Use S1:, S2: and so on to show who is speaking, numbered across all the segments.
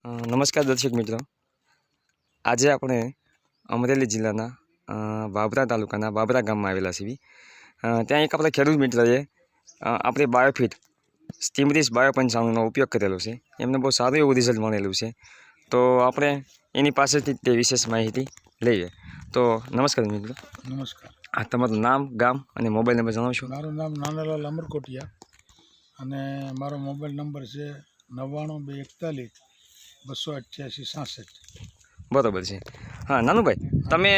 S1: નમસ્કાર દર્શક મિત્રો, આજે આપણે અમરેલી જિલ્લાના વાવરા તાલુકાના વાવરા ગામમાં આવેલા છીએ। ત્યાં એક આપણા ખેડૂત મિત્રએ આપણે બાયોફિટ સ્ટીમરીસ બાયો95નો ઉપયોગ કરેલો છે। એમને બહુ સારું એવું રિઝલ્ટ મળેલું છે, તો આપણે એની પાસેથી તે વિશેષ માહિતી લઈએ। તો નમસ્કાર મિત્રો।
S2: નમસ્કાર।
S1: આ તમારું નામ, ગામ અને મોબાઈલ નંબર જણાવશો?
S2: મારું નામ નાનાલાલ અમરકોટિયા અને મારો મોબાઈલ નંબર છે 99 241 288 66।
S1: બરાબર છે। હા નાનુભાઈ, તમે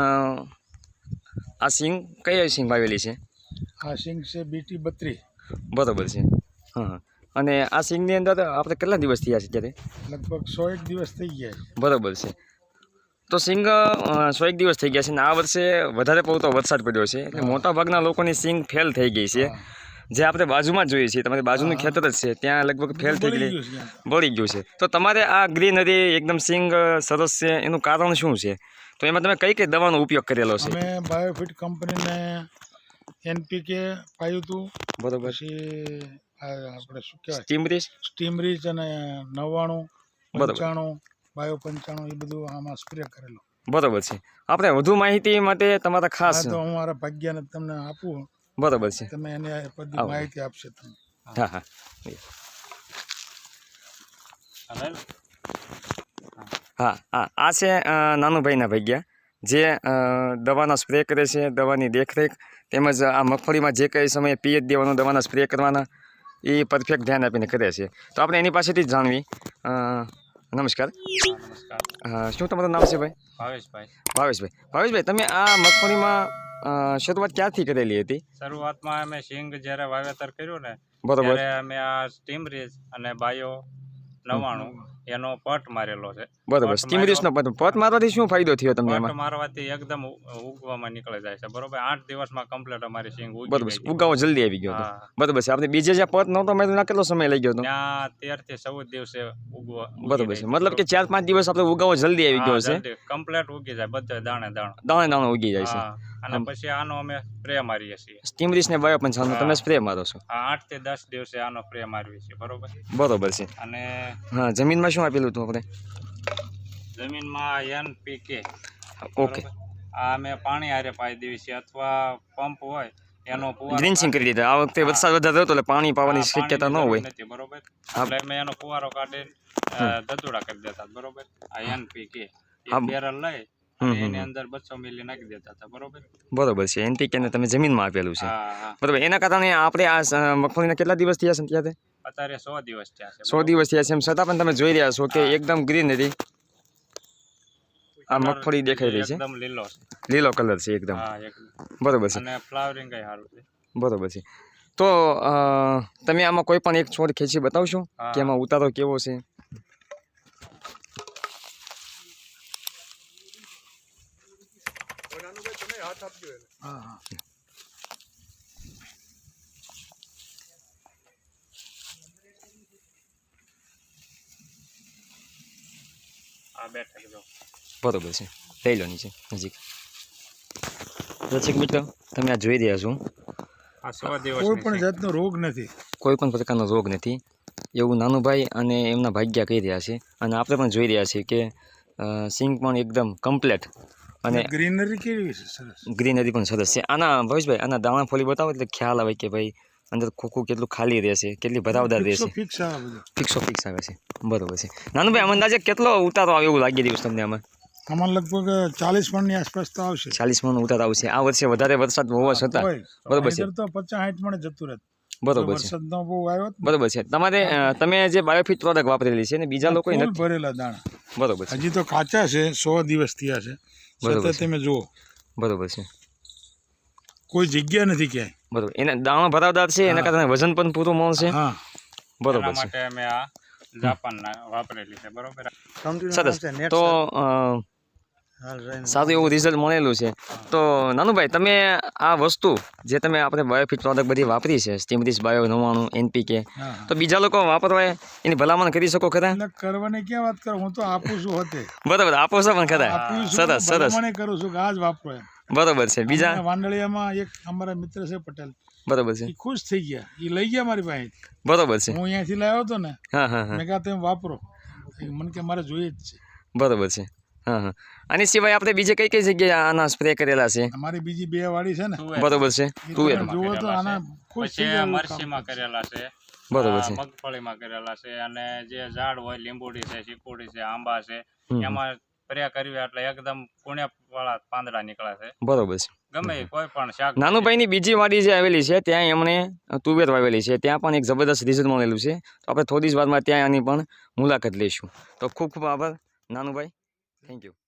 S1: આ સિંગ કઈ સિંગ વાવેલી છે?
S2: આ સિંગ છે BT 32।
S1: બરાબર છે। હા, અને આ સિંગની અંદર આપણે કેટલા દિવસ થયા છે ત્યારે?
S2: લગભગ 101 દિવસ થઈ ગયા છે।
S1: બરાબર છે। તો સિંગ 101 દિવસ થઈ ગયા છે, અને આ વર્ષે વધારે પડતો વરસાદ પડ્યો છે એટલે મોટાભાગના લોકોની સિંગ ફેલ થઈ ગઈ છે। જે આપણે બાજુમાં જોઈએ છીએ, તમારી બાજુનું ખેતર જ છે, ત્યાં લગભગ ફેલ થઈ ગઈ, બળી ગયું છે। તો તમારે આ ગ્રીનરી એકદમ સિંગ સરસ છે, એનું કારણ શું છે? તો એમાં તમે કઈ કઈ દવાનો ઉપયોગ કરેલો છે?
S2: અમે બાયોફિટ કંપનીને NPK પાયું હતું,
S1: બરાબર,
S2: પછી આપણે શું કહેવાય
S1: સ્ટીમરીસ
S2: અને 99 95 બાયો 95 એ બધું આમાં સ્પ્રે કરેલો।
S1: બરાબર છે। આપણે વધુ માહિતી માટે તમારા ખાસ
S2: તો હું મારા ભાગ્યને તમને આપું।
S1: બરાબર છે,
S2: તમે એને બધી માહિતી આપશે તમે।
S1: હા હા હા હા આ છે નાનુભાઈના ભાગ્યા, જે દવાના સ્પ્રે કરે છે, દવાની દેખરેખ તેમજ આ મગફળીમાં જે કંઈ સમયે પીએચ દેવાનો, દવાના સ્પ્રે કરવાના, એ પરફેક્ટ ધ્યાન આપીને કરે છે। તો આપણે એની પાસેથી જ જાણવી। નમસ્કાર। શું તમારું નામ છે ભાઈ? ભાવેશભાઈ, તમે આ મગફળીમાં શરૂઆત ક્યાંથી કરેલી હતી?
S3: શરૂઆતમાં અમે સિંગ જ્યારે વાવેતર કર્યું ને,
S1: બરોબર,
S3: ત્યારે અમે આ સ્ટીમરીસ અને બાયો 99 એનો પટ મારેલો છે।
S1: બરોબર, સ્ટીમરીસનો પટ મારવાથી શું ફાયદો થયો તમને?
S3: પટ મારવાથી એકદમ ઉગવામાં નીકળી જાય છે, બરોબર। 8 દિવસમાં કમ્પ્લીટ અમારી સિંગ ઉગી
S1: બરોબર,
S3: ગઈ છે।
S1: ઉગાવો જલ્દી આવી ગયો હતો, બરોબર છે। આપણે બીજે જ્યાં પટ નહોતો માર્યો, કેટલો સમય લઈ ગયો હતો?
S3: ત્યાં 13 થી 14 દિવસે ઉગવા,
S1: બરોબર છે। મતલબ કે 4-5 દિવસ આપણે ઉગાવો જલ્દી આવી ગયો છે,
S3: કમ્પ્લીટ ઉગી જાય, બધે દાણે
S1: દાણે ઉગી જાય છે।
S3: અને પછી આનો અમે સ્પ્રે મારીએ છીએ,
S1: સ્ટીમરીસ ને બાયો95 તમે સ્પ્રે મારો છો?
S3: 8 થી 10 દિવસે આનો સ્પ્રે મારવી છે, બરોબર
S1: છે।
S3: અને
S1: હા, જમીનમાં શું આપેલું હતું આપણે?
S3: જમીનમાં NPK,
S1: ઓકે,
S3: આ અમે પાણી હારે પાઈ દેવી છે, અથવા પંપ હોય એનો ફુવારો
S1: ડ્રિન્ચિંગ કરી દીધા। આ વખતે વરસાદ વધારે હતો એટલે પાણી પાવાની શક્યતા ન હોય,
S3: બરોબર, એટલે અમે એનો ફુવારો કાઢીને ધતુડા કરી દેતા, બરોબર। આ NPK બેરલ લઈ એની અંદર 200 મિલી નાખી દેતા હતા, બરોબર
S1: છે। NPK ને તમે જમીનમાં આપેલું છે,
S3: હા,
S1: બરોબર। એના કારણે આપણે આ મગફળીના કેટલા દિવસ થયા છે ત્યારે?
S3: અત્યારે 100 દિવસ થયા છે।
S1: 100 દિવસ થયા છે, એમ છતાં પણ તમે જોઈ રહ્યા છો કે એકદમ ગ્રીનરી આ મગફળી દેખાઈ રહી છે,
S3: એકદમ
S1: લીલો કલર છે એકદમ, બરોબર છે,
S3: અને ફ્લાવરિંગ કઈ સારું છે,
S1: બરોબર છે। તો તમે આમાં કોઈ પણ એક છોડ ખેંચી બતાવશો કે એમાં ઉતારો કેવો છે? બરોબર છે, લઈ લો નીચે નજીક। દર્શક મિત્રો, તમે આ જોઈ રહ્યા છો,
S2: કોઈ પણ જાતનો રોગ નથી,
S1: કોઈ પણ પ્રકારનો રોગ નથી, એવું નાનુભાઈ અને એમના ભાગ્યા કહી રહ્યા છે। અને આપણે પણ જોઈ રહ્યા છીએ કે સિંગ પણ એકદમ કમ્પ્લેટ, અને
S2: ગ્રીનરી કેવી છે? સરસ,
S1: ગ્રીનરી પણ સરસ છે। આના ભવેશભાઈ, આના દાણા ફોલી બતાવો એટલે ખ્યાલ આવે કે ભાઈ અંદર ખોખું કેટલું ખાલી રહેશે, કેટલી ભરાવદાર રહેશે,
S2: ફિક્સ
S1: આવે છે, બરોબર છે। નાનુભાઈ, અંદાજે કેટલો ઉતારો આવે એવું લાગી રહ્યું છે તમને આમાં?
S2: આમાં લગભગ 40 મણની આસપાસ તો આવશે।
S1: 40 મણ ઉતાર આવશે આ વર્ષે, વધારે વરસાદ હોવા છતાં, બરોબર છે,
S2: તો 50-60 મણ જતું રહે,
S1: બરોબર છે,
S2: વરસાદનો બહુ આવ્યો,
S1: બરોબર છે। તમે જે બાયોફિટ પ્રોડક્ટ વાપરેલી છે ને બીજા લોકો
S2: ભરેલા દાણા,
S1: બરોબર છે,
S2: હજી તો કાચા છે, 100 દિવસ થયા છે,
S1: બરોબર,
S2: તમે જુઓ,
S1: બરોબર છે,
S2: કોઈ જગ્યા નથી ક્યાંય,
S1: બરોબર। એના દાણા ભરાવદાર છે, એના કારણે વજન પણ પૂરું મળશે, બરોબર છે,
S3: માટે અમે આ જાપાનના વાપરેલી છે, બરોબર,
S1: સરસ। તો સારું એવું રિઝલ્ટ મળેલું છે। તો નાનુભાઈ, તમે આ વસ્તુ જે તમે આપણે બાયોફિટ પ્રોડક્ટ બધી વાપરી છે, સ્ટીમરીસ બાયો 99 NPK, તો બીજા લોકો વાપરવા એની ભલામણ કરી શકો ખરા?
S2: કરવાની ક્યાં વાત કરો, હું તો આપું છું હોતે,
S1: બરોબર, આપો છો પણ ખરા, સરસ
S2: કરું છું કે આજ વાપરો,
S1: બરોબર છે। બીજા
S2: વાંદળિયામાં એક અમારા મિત્ર છે પટેલ,
S1: બરોબર છે,
S2: એ ખુશ થઈ ગયા, એ લઈ ગયા મારી પાસે,
S1: બરોબર છે,
S2: હું અહીંયાથી લાવ્યો હતો ને, મેં કહ્યું તમે વાપરો, મને કે મારે જોઈએ જ છે.
S1: બરોબર છે. હા હા. આની સિવાય આપણે બીજે કઈ કઈ જગ્યાએ આના સ્પ્રે કરેલા છે?
S2: અમારી બીજી 2 વાડી છે ને,
S3: તુવેર
S1: બરોબર છે.
S2: એ
S1: તુવેર.
S2: તમે જુઓ તો આના ખુશ થઈ
S3: પછી
S2: જાય એવું કામ
S3: મરચીમાં
S2: કરે છે.
S3: કરેલા છે,
S1: બરોબર છે.
S3: મગફળીમાં કરેલા છે, અને જે ઝાડ હોય લીંબુડી છે, ચીકુડી છે, આંબા છે,
S1: હમ.
S3: એમાં સ્પ્રે કરવી એટલે એકદમ કુણ્યા પાંદડા નીકળે છે.
S1: બરોબર છે.
S3: ગમે એ કોઈ પણ શાક
S1: નાનુભાઈની બીજી વાડી જે આવેલી છે ત્યાં એમણે તુવેર વાવેલી છે, ત્યાં પણ એક જબરદસ્ત રિઝલ્ટ મળેલું છે. તો આપણે થોડી જ વારમાં ત્યાં આની પણ મુલાકાત લઈશું. તો ખૂબ ખૂબ આભાર નાનુભાઈ. Thank you.